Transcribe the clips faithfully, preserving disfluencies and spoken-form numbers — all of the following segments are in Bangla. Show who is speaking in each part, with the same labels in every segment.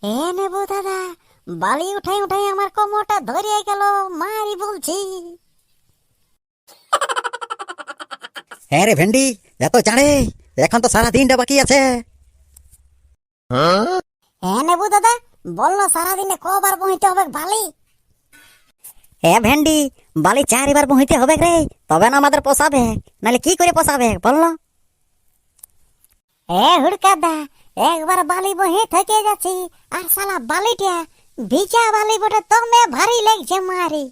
Speaker 1: এ নেবো দাদা, বালি উঠাই উঠাই আমার কোমরটা ধরিয়ে গেল, মারি বলছি।
Speaker 2: হ্যাঁ রে ভেন্ডি, এত জানে? এখন তো সারা দিনটা বাকি আছে।
Speaker 1: এ নেবো দাদা, বললো সারাদিনে কবার বহিতে হবে বালি?
Speaker 2: এ ভেন্ডি, বালি চারিবার বহিতে হবে রে, তবে না আমাদের পোষাবে, নাহলে কি করে পোষাবে বললো?
Speaker 1: এ হুড়কাদা, একবার বালি বহে থেকে যাচ্ছি, আর সালা বালিটা ভিজা বালি বটে, দমে ভারী লাগছে মারি।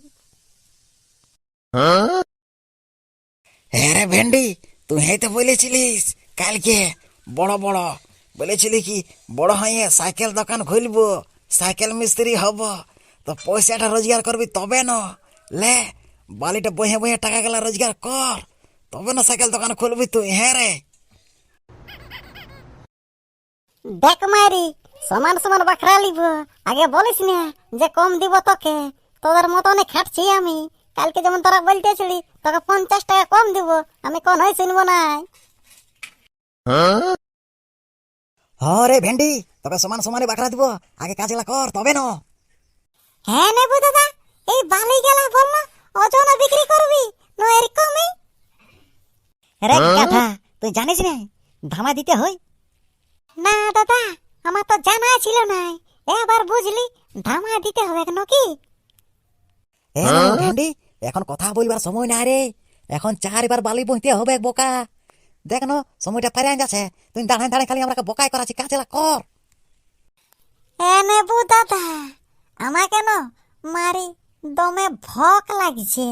Speaker 2: হ্যাঁ রে ভেন্ডি, তুই তো বলেছিলিস কালকে বড় বড় বলেছিলি কি বড় হয়ে সাইকেল দোকান খুলবো, সাইকেল মিস্ত্রি হব, তো পয়সাটা রোজগার করবি তবে না। লে, বালিটা বহে বহে টাকা গেলা রোজগার কর, তবে না সাইকেল দোকান খুলবি তুই। হ্যাঁ রে।
Speaker 1: দেখ মারি, সমান সমান বাখরা লিব, আগে বলিস না যে কম দিব তোকে। তোদের মতনই খাটছি আমি, কালকে যেমন তোরা বলতেছিলি তোকে পঞ্চাশ টাকা কম দিব, আমি কোন হয় শুনবো না।
Speaker 2: হ্যাঁ রে ভেন্ডি, তবে সমান সমানে বাকরা দিব, আগে কাজগুলা কর তবে না।
Speaker 1: হ্যাঁ নেবু দাদা, এই বালি গেলা বললো ওজনে বিক্রি করবি না এরকমই?
Speaker 2: রে কথা, তুই জানিস না ধামা দিতে হয়?
Speaker 1: না দাদা, আমার তো জানা ছিল না, এবার বুঝলি ধামা দিতে হবে নাকি?
Speaker 2: এ না ভেন্ডি, এখন কথা বলবার সময় না রে, এখন চারবার বালি বইতে হবে বোকা। দেখ না সময়টা পারে যাচ্ছে, তুই দাঁড়ায় দাঁড়ায় খালি আমরা বোকাই করাচ্ছি, কাজেলা কর।
Speaker 1: এ নেবু দাদা, আমার কেন মারি দমে ভক লাগছে।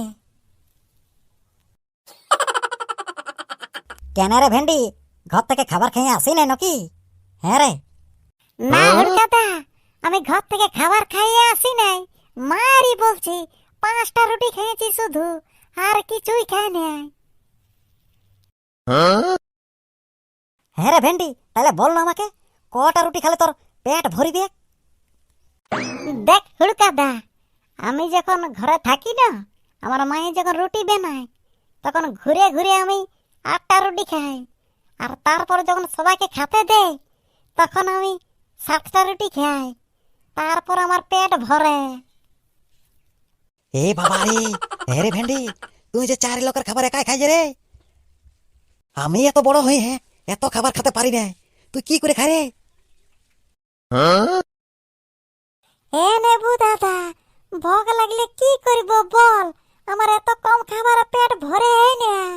Speaker 2: কেন রে ভেন্ডি, ঘর থেকে খাবার খেয়ে আসি নাই নাকি? হ্যাঁ রে।
Speaker 1: না হুড়কাদা, আমি ঘর থেকে খাবার খাইয়ে আসি নাই, মারি বলছি পাঁচটা রুটি খেয়েছি শুধু, আর কিছুই খাই নাই।
Speaker 2: হ্যাঁ রে ভেন্ডি, তাহলে বল না আমাকে, কটা রুটি খেলে তোর পেট ভরিবে?
Speaker 1: দেখ হুড়কাদা, আমি যখন ঘরে থাকি না, আমার মায়ে যখন রুটি বানায়, তখন ঘুরে ঘুরে আমি আটটা রুটি খাই, আর তারপর যখন সবাইকে খেতে দেয় তখন আমি সাতটা রুটি খাই, তারপর আমার পেট ভরে।
Speaker 2: এ বাবা রে, হ্যাঁ রে ভেন্ডি, তুই যে চারি লোকের খাবার একাই খাই রে। আমি এত বড় হই, হ্যাঁ এত খাবার খেতে পারি না, তুই কি করে খাই রে?
Speaker 1: এ নেবু দাদা, ভোগ লাগলে কি করব বল, আমার এত কম খাবার পেট ভরে নাই।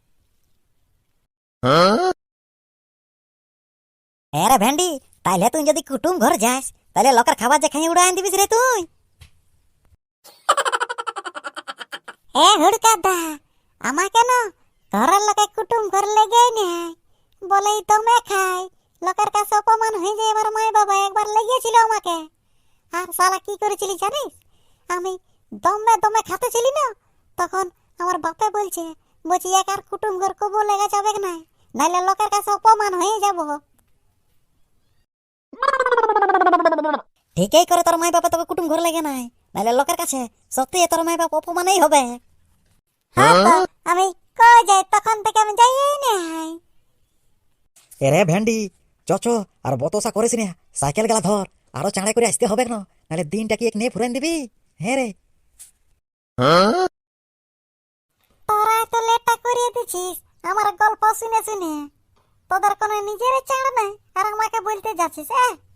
Speaker 2: হ্যাঁ রে ভেন্ডি, তাইলে তুই যদি কুটুম ঘর যাস, তাহলে লোকের খাবার যে খাই উড়াই দিবিস রে তুই।
Speaker 1: এ হুড়কাদা, আমার কেন ঘরের লোকে কুটুম ঘর লেগে নাই, বলেই দমে খাই, লোকের কাছে অপমান হয়ে যায়। আমার মায় বাবা একবার লেগেছিল আমাকে, আর শালা কি করেছিলি জানিস? আমি দমে দমে খাতেছিলি না, তখন আমার বাপে বলছে, বলছি এক আর কুটুম ঘর কবু লেগে যাবে না, নাইলে লোকের কাছে অপমান হয়ে যাব।
Speaker 2: ঠিকই করে তোর মাই বাবা তোকে কুটুম ঘর লেগে নাই, নাহলে লোকের কাছে সত্যি তোর মাই বাপ অপমানই হবে।
Speaker 1: হ্যাঁ তো আমি কই যাই, তখন থেকে আমি যাই নাই।
Speaker 2: এরে ভেন্ডি, চচ আর বতসা করিস না, সাইকেল গেলা ধর, আরো চাঁড়াই করে আসতে হবে না, নাহলে দিনটা কি এক নিয়ে ফুরান দিবি। হ্যাঁ রে।
Speaker 1: তোরা তো লেটটা করিয়ে দিছিস আমার গল্প শুনে শুনে, তোদের কোনো নিজের চাড় নাই, আর আমাকে বলতে যাচ্ছিস?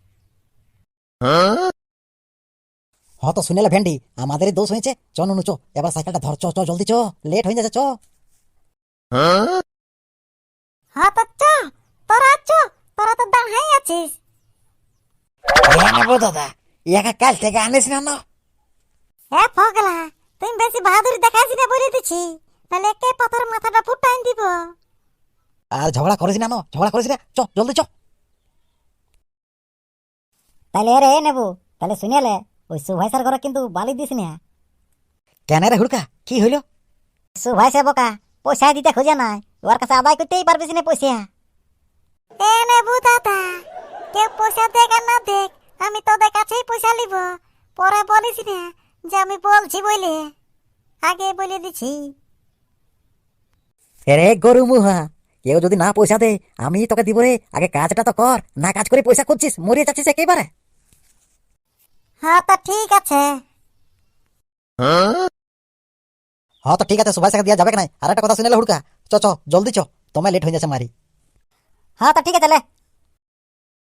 Speaker 2: হ্যাঁ তো শুনেলে ভেন্ডি, আমাদেরই দোষ হয়েছে। চ নুনু চ, এবার সাইকেলটা ধর, চ চ জলদি চ, লেট হয়ে যাচ্ছে চ।
Speaker 1: হ্যাঁ তো চ, তোরা চ, তোরা তো দাঁড়াই আছিস।
Speaker 2: হ্যাঁ নেবো দাদা, ইয়াকে কাল থেকে আনিস না না।
Speaker 1: এ ফগলা, তুই বেশি বাহাদুরি দেখাইছি না বলে দিছি, তাহলে কে পাথর মাথাটা ফুটাই দিব।
Speaker 2: আর ঝগড়া করিস না, না ঝগড়া করিস না, চ জলদি চ।
Speaker 1: তাহলে রে নেবো, তাহলে শুনেলে ওই সুভাষের ঘরে কিন্তু বালি দিস না।
Speaker 2: কেন রে হুড়কা, কি হইল?
Speaker 1: সুভাষে বোকা পয়সা দিতে খোঁজে নাই, ওর কাছে আদায় করতেই পারবিস না পয়সা। এ নেবু দাদা, কেউ পয়সা দেখ আর না দেখ, আমি তোদের কাছেই পয়সা নিব, পরে বলিস না যে আমি বলছি বলে, আগে বলে দিছি।
Speaker 2: রে গরু মুহা, কেউ যদি না পয়সা দে আমি তোকে দিব রে, আগে কাজটা তো কর, না কাজ করে পয়সা খুঁজছিস, মরিয়ে যাচ্ছিস একেবারে।
Speaker 1: হ্যাঁ তা ঠিক আছে।
Speaker 3: হ্যাঁ তো ঠিক আছে, সুভাষ দিয়া যাবে না। আর একটা কথা শুনেলে হুড়কা, চ চ জলদি চ, তোমায় লেট হয়ে যাচ্ছে মারি।
Speaker 1: হ্যাঁ তা ঠিক আছে লে